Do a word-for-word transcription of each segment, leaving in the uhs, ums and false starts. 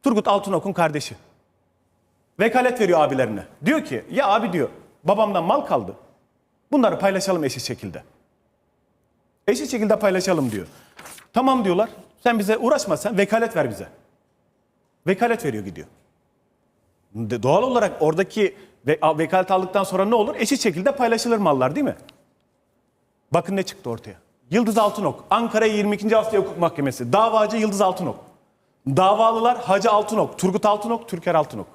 Turgut Altınok'un kardeşi. Vekalet veriyor abilerine. Diyor ki ya abi diyor babamdan mal kaldı. Bunları paylaşalım eşit şekilde. Eşit şekilde paylaşalım diyor. Tamam diyorlar. Sen bize uğraşma, sen vekalet ver bize. Vekalet veriyor, gidiyor. Doğal olarak oradaki ve vekalet aldıktan sonra ne olur? Eşit şekilde paylaşılır mallar, değil mi? Bakın ne çıktı ortaya. Yıldız Altınok, Ankara yirmi ikinci Asya Hukuk Mahkemesi. Davacı Yıldız Altınok. Davalılar Hacı Altınok, Turgut Altınok, Türker Altınok.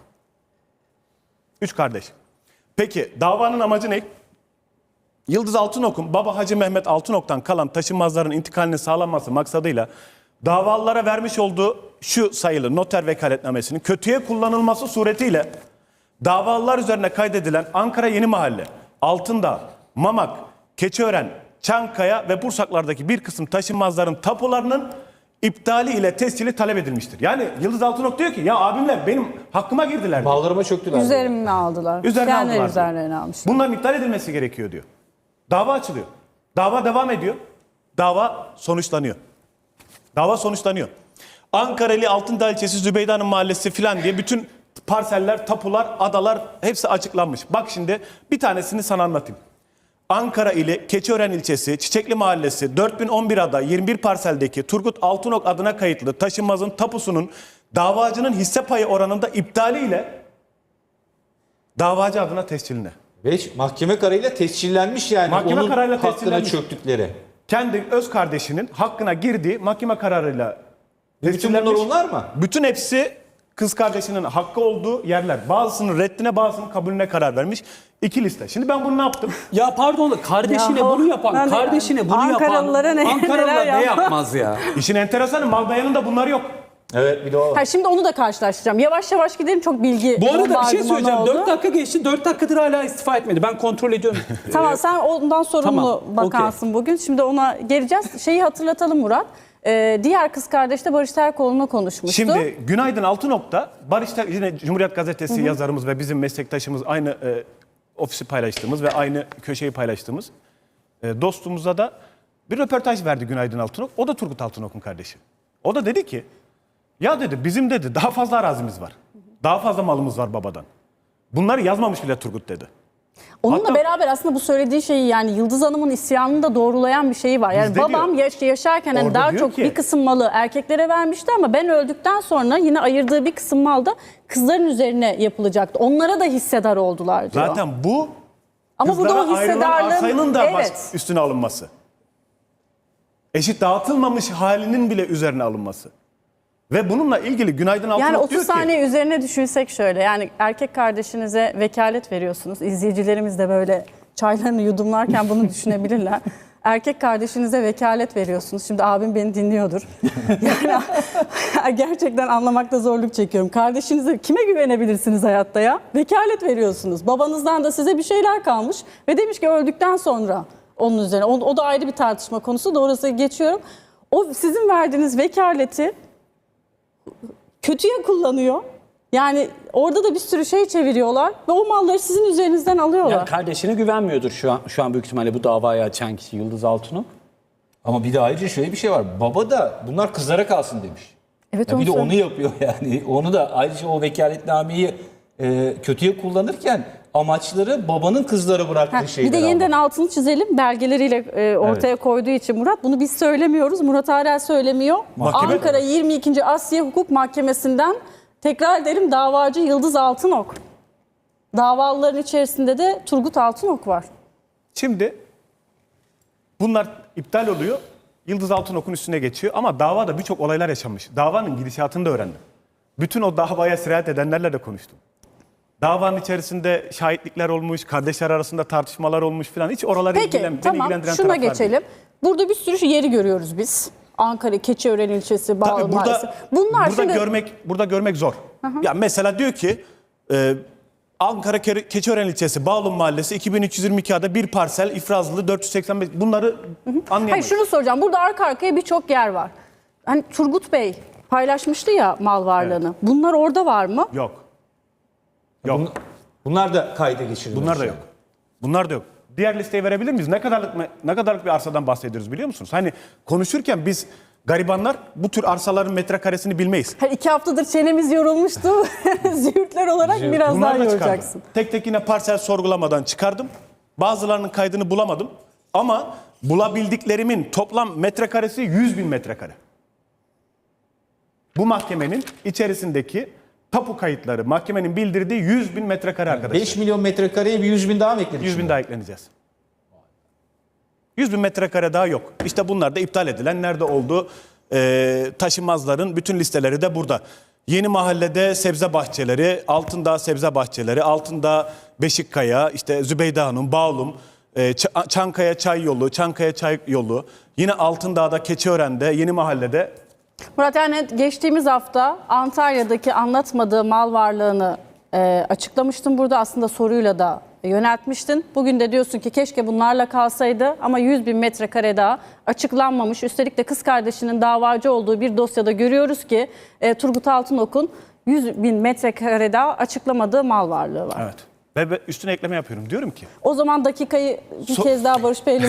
Üç kardeş. Peki davanın amacı ne? Yıldız Altınok'un baba Hacı Mehmet Altınok'tan kalan taşınmazların intikalinin sağlanması maksadıyla davalılara vermiş olduğu şu sayılı noter vekaletnamesinin kötüye kullanılması suretiyle davalılar üzerine kaydedilen Ankara Yeni Mahalle, Altındağ, Mamak, Keçiören, Çankaya ve Bursaklar'daki bir kısım taşınmazların tapularının iptali ile tescili talep edilmiştir. Yani Yıldız Altınok diyor ki ya abimler benim hakkıma girdiler. Bağlarıma çöktüler. Üzerime aldılar. Üzerine Kendileri aldılar. üzerlerine almışlar. Bunların iptal edilmesi gerekiyor diyor. Dava açılıyor. Dava devam ediyor. Dava sonuçlanıyor. Dava sonuçlanıyor. Ankara'lı Altındağ ilçesi Zübeyde Hanım mahallesi filan diye bütün parseller, tapular, adalar hepsi açıklanmış. Bak şimdi bir tanesini sana anlatayım. Ankara ile Keçiören ilçesi Çiçekli Mahallesi dört bin on bir ada yirmi bir parseldeki Turgut Altınok adına kayıtlı taşınmazın tapusunun davacının hisse payı oranında iptaliyle davacı adına tesciline. Ve mahkeme kararıyla tescillenmiş yani. Mahkeme onun kararıyla hakkına tescillenmiş. çöktükleri. Kendi öz kardeşinin hakkına girdiği mahkeme kararıyla Bütün bunlar onlar mı? Bütün hepsi kız kardeşinin hakkı olduğu yerler. Bazısının reddine, bazısının kabulüne karar vermiş. İki liste. Şimdi ben bunu ne yaptım? Ya pardon da kardeşine Ya, bunu yapan, ben de kardeşine yani. bunu yapan Ankaralılara ne- Ankaralılar neler ne yapmaz? yapmaz ya? İşin enteresanı mal beyanında bunlar yok. Evet, bir de o. Ha, şimdi onu da karşılaştıracağım. Yavaş yavaş gidelim, çok bilgi Bu arada bir şey bombardımanı söyleyeceğim. oldu. dört dakika geçti. dört dakikadır hala istifa etmedi. Ben kontrol ediyorum. Tamam, sen ondan sorumlu Tamam, bakansın bugün. Şimdi ona geleceğiz. Şeyi hatırlatalım Murat. Ee, diğer kız kardeş de Barış Terkoğlu'na konuşmuştu. Şimdi Günaydın Altınok'ta Barış Ter- yine Cumhuriyet Gazetesi yazarımız ve bizim meslektaşımız aynı e, ofisi paylaştığımız ve aynı köşeyi paylaştığımız e, dostumuza da bir röportaj verdi Günaydın Altınok. O da Turgut Altınok'un kardeşi. O da dedi ki ya dedi bizim dedi daha fazla arazimiz var. Daha fazla malımız var babadan. Bunları yazmamış bile Turgut dedi. Onunla Hatta- beraber aslında bu söylediği şeyi, yani Yıldız Hanım'ın isyanını da doğrulayan bir şeyi var. Yani Bizde babam diyor. yaş- yaşarken hani Orada daha diyor çok ki- bir kısım malı erkeklere vermişti ama ben öldükten sonra yine ayırdığı bir kısım mal da kızların üzerine yapılacaktı. Onlara da hissedar oldular diyor. Zaten bu Ama burada o kızlara ayrılan hissedarlığın- arsanın da baş- Evet. üstüne alınması. Eşit dağıtılmamış halinin bile üzerine alınması. Ve bununla ilgili Günaydın Altınok Yani diyor otuz ki saniye üzerine düşünsek şöyle, yani erkek kardeşinize vekalet veriyorsunuz. İzleyicilerimiz de böyle çaylarını yudumlarken bunu düşünebilirler. Erkek kardeşinize vekalet veriyorsunuz. Şimdi abim beni dinliyordur. Yani gerçekten anlamakta zorluk çekiyorum. Kardeşinize kime güvenebilirsiniz hayatta ya? Vekalet veriyorsunuz. Babanızdan da size bir şeyler kalmış ve demiş ki öldükten sonra onun üzerine. O, o da ayrı bir tartışma konusu. Doğrusu geçiyorum. O sizin verdiğiniz vekaleti kötüye kullanıyor. Yani orada da bir sürü şey çeviriyorlar ve o malları sizin üzerinizden alıyorlar. Yani kardeşine güvenmiyordur şu an şu an büyük ihtimalle bu davayı açan kişi Yıldız Altınok. Ama bir de ayrıca şöyle bir şey var. Baba da bunlar kızlara kalsın demiş. Evet, Ya onu bir de onu söyleyeyim. yapıyor yani. Onu da ayrıca o vekaletnameyi e, kötüye kullanırken amaçları babanın kızlara bıraktığı Ha, şeyler. bir de yeniden altını çizelim. Belgeleriyle e, ortaya koyduğu için Murat, bunu biz söylemiyoruz. Murat Arel söylemiyor. Mahkeme- Ankara yirmi ikinci Asya Hukuk Mahkemesi'nden tekrar ederim davacı Yıldız Altınok. Davalıların içerisinde de Turgut Altınok var. şimdi bunlar iptal oluyor. Yıldız Altınok'un üstüne geçiyor ama davada birçok olaylar yaşanmış. Davanın gidişatını da öğrendim. Bütün o davaya sirayet edenlerle de konuştum. Davanın içerisinde şahitlikler olmuş, kardeşler arasında tartışmalar olmuş falan. Hiç oraları Peki ilgilen, beni tamam, ilgilendiren şuna taraflar geçelim. değil. Burada bir sürü yeri görüyoruz biz. Ankara, Keçiören ilçesi, Bağlı Tabii Mahallesi. burada, Bunlar burada şimdi... görmek burada görmek zor. Ya mesela diyor ki e, Ankara Ke- Keçiören ilçesi Bağlı Mahallesi iki bin üç yüz yirmi iki ada bir parsel ifrazlı dört yüz seksen beş, bunları Hayır, anlayamayız. şunu soracağım. Burada arka arkaya birçok yer var. Hani Turgut Bey paylaşmıştı ya mal varlığını. Bunlar orada var mı? Yok. Yok. Bun- Bunlar da kayda geçirilmiş. Bunlar da yani. yok. Bunlar da yok. Diğer listeyi verebilir miyiz? Ne kadarlık ne kadarlık bir arsadan bahsediyoruz biliyor musunuz? Hani konuşurken biz Garibanlar bu tür arsaların metrekaresini bilmeyiz. Her iki haftadır çenemiz yorulmuştu. Züğürtler olarak biraz daha Bunları da çıkardım. yoracaksın. Tek tek yine parsel sorgulamadan çıkardım. Bazılarının kaydını bulamadım. Ama bulabildiklerimin toplam metrekaresi yüz bin metrekare. Bu mahkemenin içerisindeki tapu kayıtları, mahkemenin bildirdiği yüz bin metrekare arkadaşlar. beş milyon metrekareye bir yüz bin daha mı ekledin? yüz bin daha ekleneceğiz. yüz bin metrekare daha yok. İşte bunlar da iptal edilen, nerede oldu? Ee, taşınmazların bütün listeleri de burada. Yeni Mahalle'de sebze bahçeleri, Altındağ sebze bahçeleri, Altındağ Beşikkaya, işte Zübeyde Hanım, Bağlum, e, Ç- Çankaya Çay Yolu, Çankaya Çay Yolu, yine Altındağ'da, Keçiören'de, Yeni Mahalle'de. Murat, yani geçtiğimiz hafta Antalya'daki anlatmadığı mal varlığını e, açıklamıştın burada. Aslında soruyla da yöneltmiştin. Bugün de diyorsun ki keşke bunlarla kalsaydı ama yüz bin metrekare daha açıklanmamış. Üstelik de kız kardeşinin davacı olduğu bir dosyada görüyoruz ki e, Turgut Altınok'un yüz bin metrekare daha açıklamadığı mal varlığı var. Evet. Ve üstüne ekleme yapıyorum. Diyorum ki O zaman dakikayı bir So- kez daha Barış Bey'le